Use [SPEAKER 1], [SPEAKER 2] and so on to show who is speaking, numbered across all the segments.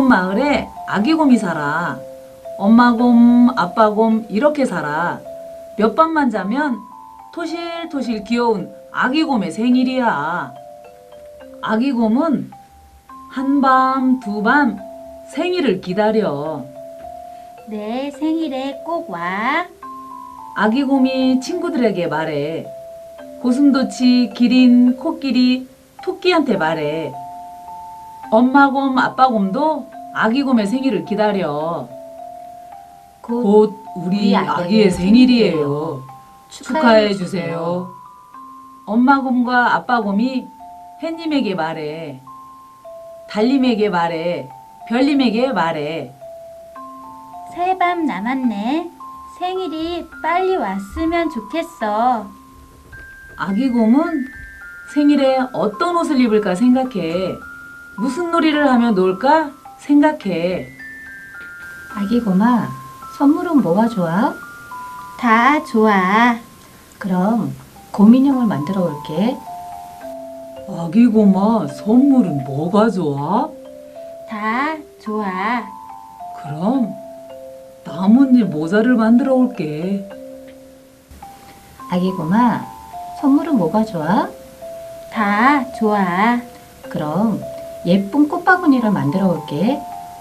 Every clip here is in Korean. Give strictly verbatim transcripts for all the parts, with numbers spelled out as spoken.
[SPEAKER 1] 마을에 아기곰이 살아. 엄마곰, 아빠곰 이렇게 살아. 몇 밤만 자면 토실토실 귀여운 아기곰의 생일이야. 아기곰은 한밤, 두밤 생일을 기다려.
[SPEAKER 2] 내 생일에 꼭 와.
[SPEAKER 1] 아기곰이 친구들에게 말해. 고슴도치, 기린, 코끼리, 토끼한테 말해. 엄마곰, 아빠곰도 아기곰의 생일을 기다려.
[SPEAKER 2] 곧,
[SPEAKER 1] 곧 우리
[SPEAKER 2] 우리
[SPEAKER 1] 아기의
[SPEAKER 2] 아기의
[SPEAKER 1] 생일이에요. 축하해
[SPEAKER 2] 축하해
[SPEAKER 1] 주세요. 엄마곰과 아빠곰이 햇님에게 말해. 달님에게 말해. 별님에게 말해.
[SPEAKER 2] 새 밤 남았네. 생일이 빨리 왔으면 좋겠어.
[SPEAKER 1] 아기곰은 생일에 어떤 옷을 입을까 생각해. 무슨 놀이를 하며 놀까 생각해.
[SPEAKER 3] 아기곰아, 선물은 뭐가 좋아?
[SPEAKER 2] 다 좋아.
[SPEAKER 3] 그럼 곰인형을 만들어 올게.
[SPEAKER 1] 아기곰아, 선물은 뭐가 좋아?
[SPEAKER 2] 다 좋아.
[SPEAKER 1] 그럼 나뭇잎 모자를 만들어 올게.
[SPEAKER 3] 아기곰아, 선물은 뭐가 좋아?
[SPEAKER 2] 다 좋아.
[SPEAKER 3] 그럼 예쁜 꽃바구니를 만들어 올게.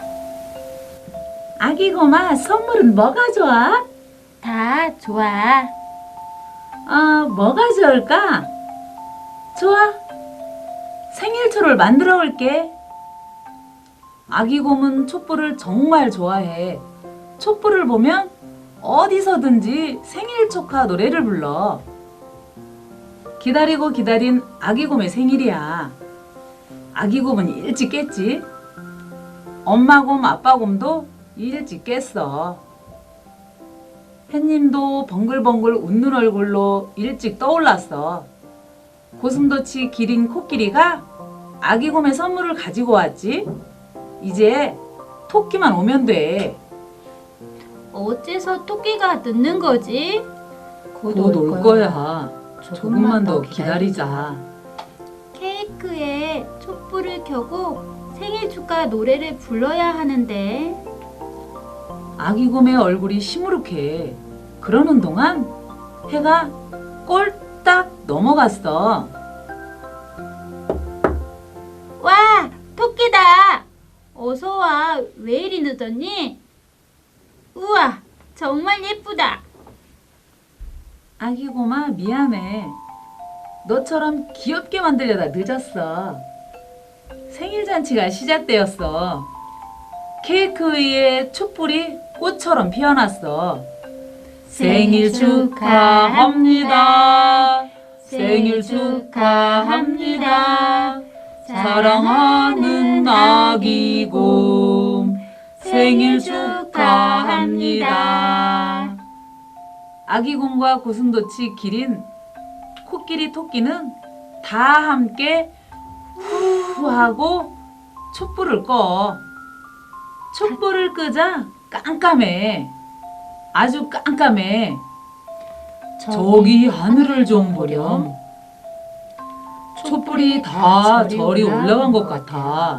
[SPEAKER 1] 아기곰아, 선물은 뭐가 좋아?
[SPEAKER 2] 다 좋아.
[SPEAKER 1] 아, 뭐가 좋을까? 좋아. 생일초를 만들어 올게. 아기곰은 촛불을 정말 좋아해. 촛불을 보면 어디서든지 생일 축하 노래를 불러. 기다리고 기다린 아기곰의 생일이야. 아기곰은 일찍 깼지. 엄마곰, 아빠곰도 일찍 깼어. 햇님도 벙글벙글 웃는 얼굴로 일찍 떠올랐어. 고슴도치, 기린, 코끼리가 아기곰의 선물을 가지고 왔지. 이제 토끼만 오면 돼.
[SPEAKER 2] 어째서 토끼가 늦는 거지?
[SPEAKER 1] 곧 올 거야. 조금만 더 기다리자.
[SPEAKER 2] 케이크에 촛불을 켜고 생일 축하 노래를 불러야 하는데.
[SPEAKER 1] 아기곰의 얼굴이 시무룩해. 그러는 동안 해가 꼴딱 넘어갔어.
[SPEAKER 2] 와, 토끼다. 어서 와. 왜 이리 늦었니? 우와, 정말 예쁘다.
[SPEAKER 1] 아기곰아, 미안해. 너처럼 귀엽게 만들려다 늦었어. 생일 잔치가 시작되었어. 케이크 위에 촛불이 꽃처럼 피어났어. 생일 축하합니다. 생일 축하합니다. 사랑하는 아기곰 생일 축하합니다. 아기곰과 고슴도치, 기린, 코끼리, 토끼는 다 함께 후 하고 촛불을 꺼. 촛불을 끄자 깜깜해. 아주 깜깜해. 저기 하늘을 좀 보렴. 촛불이 다 절이 올라간 것 같아.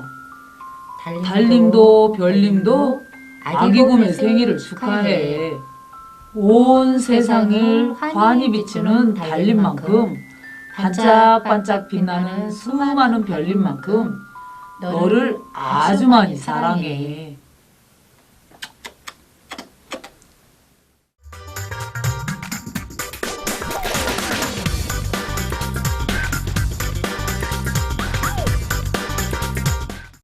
[SPEAKER 1] 달님도 별님도 아기곰의 생일을 축하해. 온 세상을 환히 비추는 달님만큼 반짝반짝 빛나는 수많은 별님만큼 너를 아주 많이 사랑해.